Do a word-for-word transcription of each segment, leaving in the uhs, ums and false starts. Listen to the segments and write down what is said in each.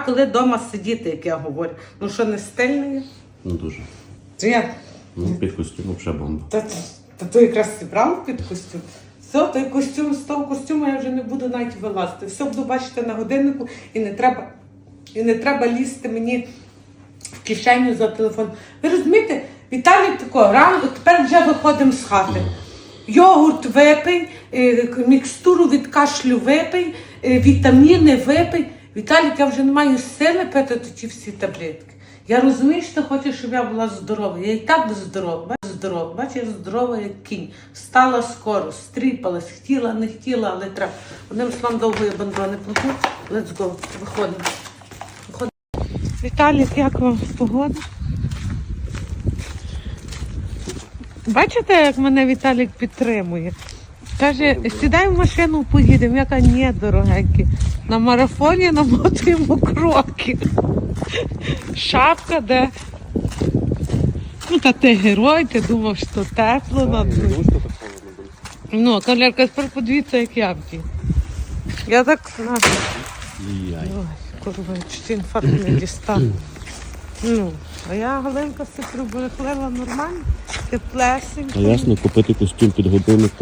коли вдома сидіти, як я говорю. Ну що, не стильно є? Ну дуже. Чи я? Ну, під костюмом вже бомба. Та, та то якраз зібрав під костюм. Все, той костюм, з того костюму я вже не буду навіть вилазити. Все буду бачити на годиннику і не треба, і не треба лізти мені в кишеню за телефон. Ви розумієте, Віталій тако, рано, тепер вже виходимо з хати. Йогурт випий, мікстуру від кашлю випий, вітаміни випий. Віталік, я вже не маю сили пити ті всі таблетки. Я розумію, що ти хочеш, щоб я була здорова. Я і так здорова. Бач, здорова. Бач, я здорова, як кінь. Встала скоро, стріпалась, хотіла, не хотіла, але треба. Одним словом, довго я бандрони плату. Let's go. Виходимо. Виходимо. Віталік, як вам погода? Бачите, як мене Віталік підтримує? Каже, сідай в машину, поїдемо. Я кажу, ні, дорогенькі. На марафоні намотуємо кроки. Шапка, де? Ну, та ти герой, ти думав, що тепло на дворі. Ну, кавалерка, тепер подивіться, як я вдію. Я так, на. Ой, курва, чуть інфаркт не дістав. Ну, а я, Галинка, все приберегла нормально, теплесенько. А ясно, купити костюм під годинник.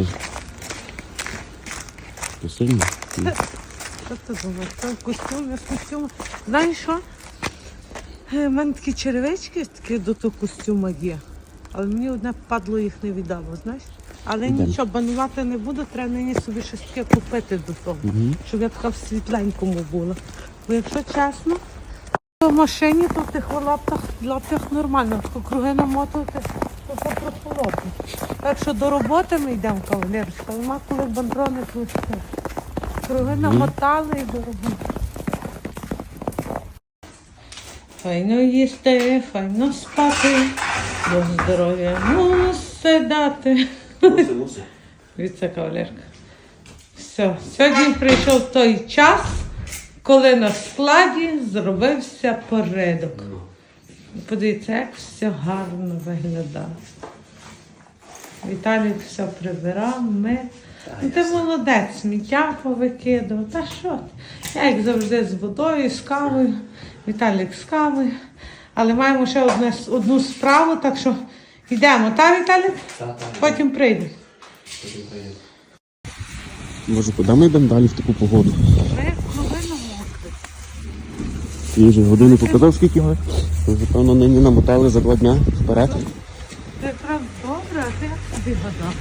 Це сильно? Що ти думаєш? Це костюм, я з костюму. Знаєш що? У мене такі черевички такі до того костюма є. Але мені одне падло їх не віддало, знаєш? Але Ідем. нічого, банувати не буду, треба нині собі щось таке купити до того, Угу. щоб я така в світленькому була. Бо якщо чесно, в машині то в тих лаптах, лаптах нормально, тако круги намотувати, то все прохолодно. Так що до роботи ми йдемо, кавалерочка, нема коли бандрони плести. Круги намотали і до роботи. Файно їсти, файно спати, до здоров'я мусить дати. Муси, муси. Віце кавалерка. Все, сьогодні прийшов той час, коли на складі зробився порядок. Подивіться, як все гарно виглядає. Віталій все прибирав, ми. Ну, ти молодець, сміття повикидав. Та що ти? Я, як завжди, з водою, з кавою. Віталік з кавою. Але маємо ще одне, одну справу, так що йдемо. Та, Віталік? Так, так. Потім прийдемо. Може, куди ми йдемо далі в таку погоду? Ми половину мокрі. Я вже годину показав, скільки ми. Ми вже, певно, нині намотали за два дня вперед. Це правда добре, а ти як собі гадав?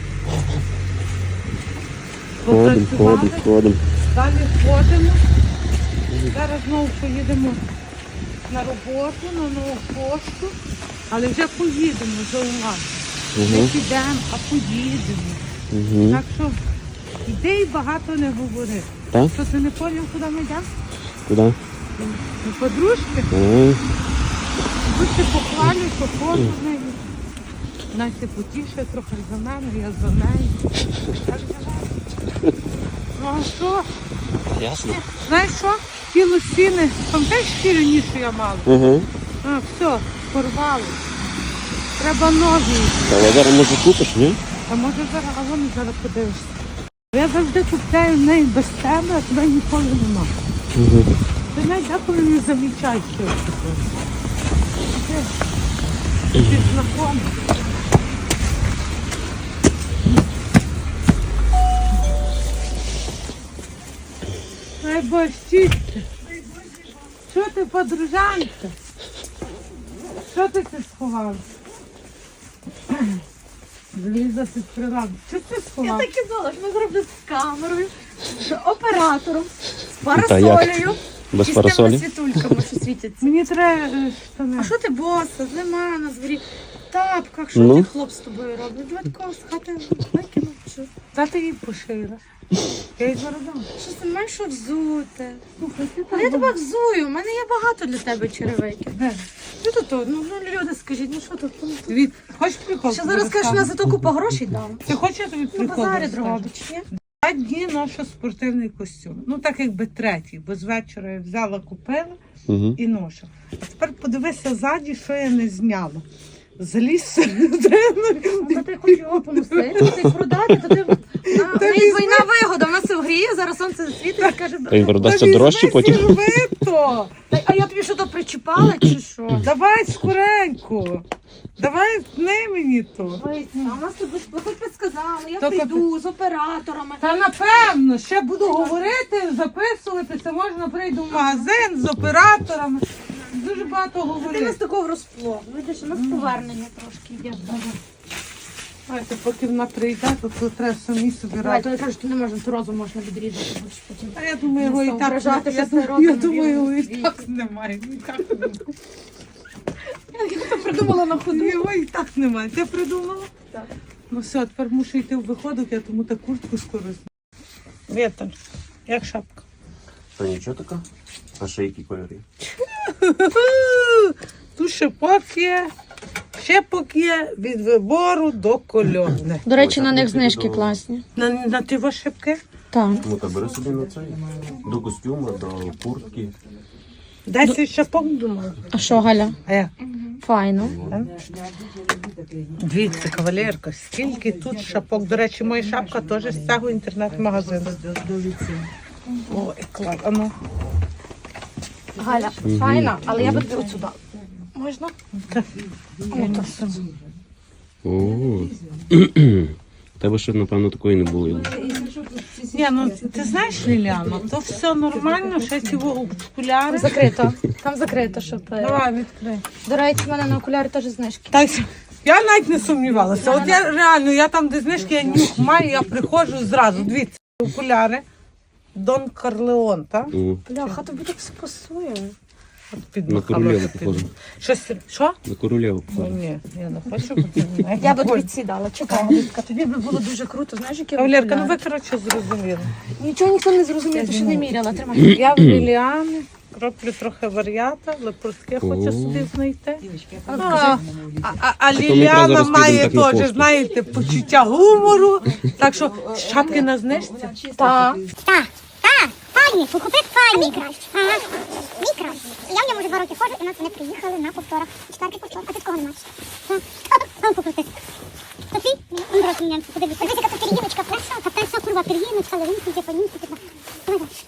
Ходимо, ходимо, ходимо. Далі ходимо. Зараз знову поїдемо на роботу, на нову пошту. Але вже поїдемо, вже у нас. Не Угу. підемо, а поїдемо. Угу. Так що йди і багато не говори. Так? Що ти не поняв, куди ми йдемо? Куди? До подружки. А, Будьте похвалю, походу з нею. Настя потіше трохи за мене, я за нею. Так давай. Ну а що? ясно. Знаєш що? Ті лосіни, пам'ятаєш ті раніше я мала? Угу. А, все, порвало. Треба ноги. Але зараз може купиш, ні? А може зараз, а вони зараз подивишся. Я завжди купляю в неї без тебе, а тебе ніколи нема. Угу. Ти навіть деколи не замічаєш, що я купила. Ти, ти знакомий. Ай, борщиця. Що ти, подружанка? Що ти це сховала? Ліза під прилавку. Що ти Я сховала? так і знала, що ми зроблю з камерою, з оператором, з Та як? парасолею Без і з парасолі? тими світульками, що світяться. Мені треба е, штани. А що ти боса, зима на дворі, в тапках, що Ну? ти хлоп з тобою робить? Давай такого з хати викинув, що? Та ти її пошила. Я її заробила. Що ти маєш що взути? Слухай, ти Ну, я тебе взую, у мене є багато для тебе черевиків. Де? Що тут? Ну, ну люди, скажіть, ну що тут? Ну, тут? Від... Хочеш прикол? Ще тобі зараз кажеш, розкажу? на зато купа грошей дам. Ти хочеш, я тобі На прикол базарі розкажу? дробич, ні? Два дні ношу спортивний костюм. Ну так якби третій, бо з вечора я взяла, купила Угу. і ношу. А тепер подивися ззаді, що я не зняла. Заліз середину. Ну, ти хочеш його поносити, ти продати, то ти У неї двойна вигода, вона се гріє, зараз сонце світить і каже, Та він продасться Та дорожче візьми потім. сірвито. «Та- а я тобі що то причіпала чи що? Давай скоренько. Давай не мені то. Ой, а у нас тут хоч би сказали, я То прийду з операторами. Та напевно, ще буду говорити, записувати, це можна прийду в магазин з операторами. Дуже багато Ти нас говорити. такого розплод. Видиш, у нас повернення трошки йде. Знаєте, поки вона прийде, то, то треба самі собі Давай, радити. то я кажу, що не можна, то розум можна відрізати, бо ж потім. А я думаю, його і Ну, так, вражати, я, що це думаю, родом я думаю, його і білий. так немає. І так немає. Я то придумала на ходу. Його і так немає. Ти придумала? Так. Ну все, тепер мушу йти в виходок, я тому та куртку скоро зніму. Віталь, як шапка? Та нічого така. А ще які кольори? Тут шипок є, шипок є від вибору до кольорне. До речі, Ой, на так них ми знижки підемо. класні. На, на ті ваші шипки? Так. Ну та бери собі на цей. До костюма, до куртки. Десять шипок думала. А що, Галя? А як? Файно. Дивіться, кавалерка, скільки тут шапок. До речі, моя шапка теж з цього інтернет-магазину. Ой, клас. А ну. Галя, файна, але я би тобі от сюди. Можна? Так. Ну, то все. О. У тебе ще, напевно, такої не було. Ні, ну ти знаєш, Ліляна, то все нормально, ще ці окуляри. Закрито. Там закрито, щоб... е, Давай, відкрий. До речі, в мене на окулярі теж знижки. Так, я навіть не сумнівалася. От я реально, я там, де знижки, я нюх маю, я приходжу зразу. Дивіться, окуляри. Дон Карлеон, так? О, Бляха, тобі так все пасує. От під на махалося королеву під- похоже. Щось, що? На королеву Ну, похоже. ні, я не хочу, бо ти мене. Я би тобі ці дала. Чекай, Галітка, тобі би було дуже круто. Знаєш, які Кавалерка, ну окуляри? ви, коротше, зрозуміли. Нічого ніхто не зрозумів, ти ще не міряла. Тримай. Я в Ліліани роблю трохи варіата, але портки хочу собі знайти. А ну, А, покажи. а, а, а ми Ліліана зараз підемо має так на теж, пошту. знаєте, почуття гумору. Так що шапки на знижці. Так. Так, так, файний, купив файний. Мій кращий. Ага, мій кращий. Я в ньому вже два роки ходжу, і нас вони приїхали на повторах. Четвертий повтор, а ти такого не маєш. Так. А ну покрути. То твій? Он брат мене, подивіться. Дивіться, яка тут пір'їночка перша, та перша курва пір'їночка, левинки, типанінки, типа. Давай далі.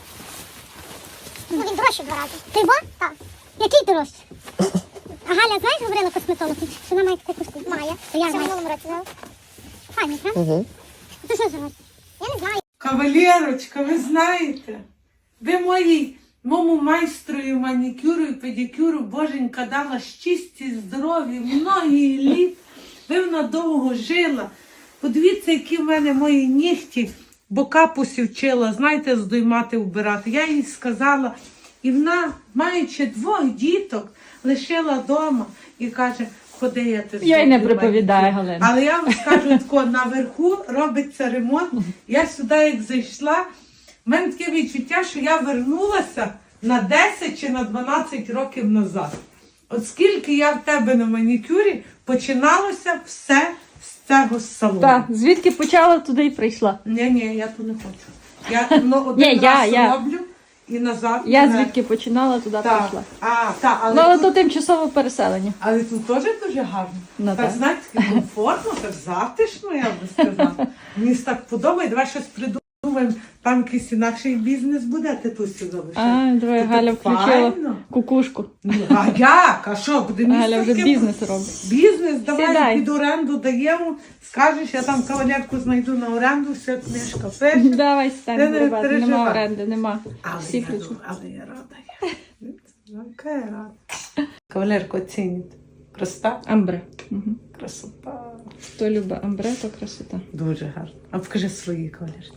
Ну він дорожчий в два рази. Ти бо? Так. Який дорожчий? А Галя, знаєш, говорила косметолог, що вона має таку костюм? Має. То я в минулому році взяла. Файний, правда? Угу. Ти що живеш? Я не знаю. Кавалерочка, ви знаєте, ви моїй, моєму майстрою манікюру і педикюру, боженька, дала щасті, здоров'я, многі літ. Ви вона довго жила. Подивіться, які в мене мої нігті, бо капусі вчила, знаєте, здоймати, вбирати. Я їй сказала, і вона, маючи двох діток, лишила вдома і каже, ходи, я тебе Я й не зроблю приповідаю, манікюр». Галина. Але я вам скажу, тако, наверху робиться ремонт. Я сюди як зайшла, в мене таке відчуття, що я вернулася на десять чи на дванадцять років назад. От скільки я в тебе на манікюрі, починалося все з цього салону. Так, звідки почала, туди й прийшла. Ні, ні, я тут не хочу. Я ну, один Ні, я- раз я. роблю і назад. Я не. звідки починала, туди Так. прийшла. А, так, але, Ну, але тут, то тимчасове переселення. але тут теж дуже гарно. Ну, так, так. знаєте, так комфортно, так затишно, я би сказала. Мені так подобає, давай щось придумаємо. Там якийсь інакший бізнес буде, ти тут сюди лише. А, давай, То Галя так включила файно. кукушку. Ну, а як? А що, буде місце? Галя вже таке? бізнес робить. Бізнес, давай Сідай. під оренду даємо. Скажеш, я там кавалерку знайду на оренду, все книжка пише. Давай Ти стань, не ребята, нема переживай. оренди, нема. Але Всі я, ключі. але я рада. Я. Яка я рада. Кавалерку оцініть. Красота? Амбре. Угу. Красота. Хто любить амбре, то красота. Дуже гарно. А покажи свої кавалерці.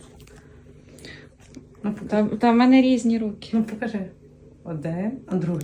Ну, покажи. Та, та в мене різні руки. Ну, покажи. Один, а другий.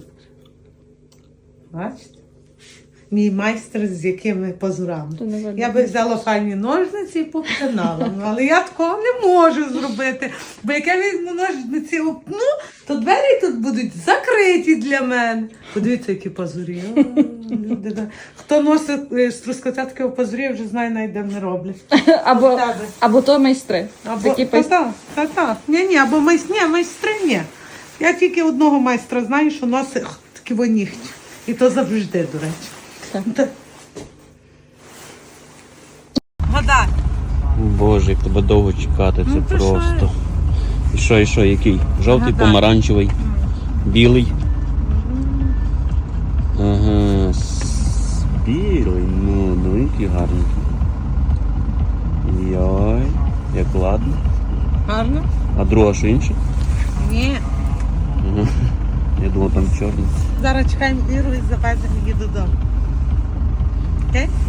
Бачите? Мій майстер з якими позурами. То не видно. Я би взяла файні ножниці і попинала. Ну, але я такого не можу зробити. Бо як я візьму ножниці опну, то двері тут будуть закриті для мене. Подивіться, які пазурі. О, люди, да. Хто носить е, з трускотецького пазурі, вже знає, навіть де не роблять. Або, тебе. або то майстри. Або, Такі та, пайс- та, та, та. Ні, ні, або майстри, ні, майстри, ні. Я тільки одного майстра знаю, що носить х, такі во нігті. І то завжди, до речі. Так. Та- Вода. Боже, як тебе довго чекати, це Ну, то просто. що? І що, і що, який? Жовтий, Гадай. помаранчевий, білий. Ага, с- білий, ну, ну який гарний. Йой, як ладно. Гарно? А друга що інша? Ні. Ага. Я думав, там чорний. Зараз чекаємо Іру і завеземо її додому. Окей?